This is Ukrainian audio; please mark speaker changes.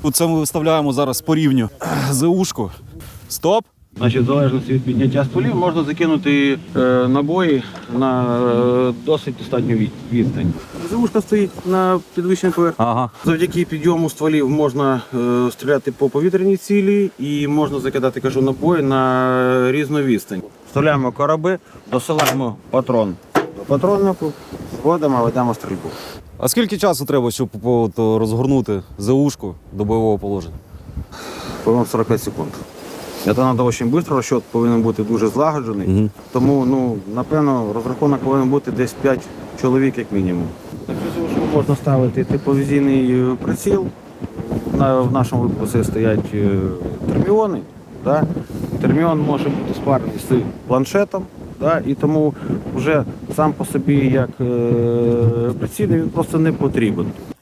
Speaker 1: Це ми виставляємо зараз по рівню ЗУшку. Стоп.
Speaker 2: Значить, в залежності від підняття стволів можна закинути набої на досить достатню відстань. ЗУшка стоїть на підвищеній поверхні.
Speaker 1: Ага.
Speaker 2: Завдяки підйому стволів можна стріляти по повітряній цілі і можна закидати, кажу, набої на різну відстань. Вставляємо короби, досилаємо патрон до патроннику, зводимо, ведемо стрільбу.
Speaker 1: А скільки часу треба, щоб розгорнути ЗУшку до бойового положення?
Speaker 2: По-моєму, 45 секунд. Це треба дуже швидко, розчот повинен бути дуже злагоджений. Тому, напевно, розрахунок повинен бути десь 5 чоловік як мінімум. На цю ЗУшку можна ставити тепловізійний приціл. В нашому випадку це стоять терміони. Да? Терміон може бути спарений з планшетом. Да? І тому вже сам по собі як приціл він просто не потрібен.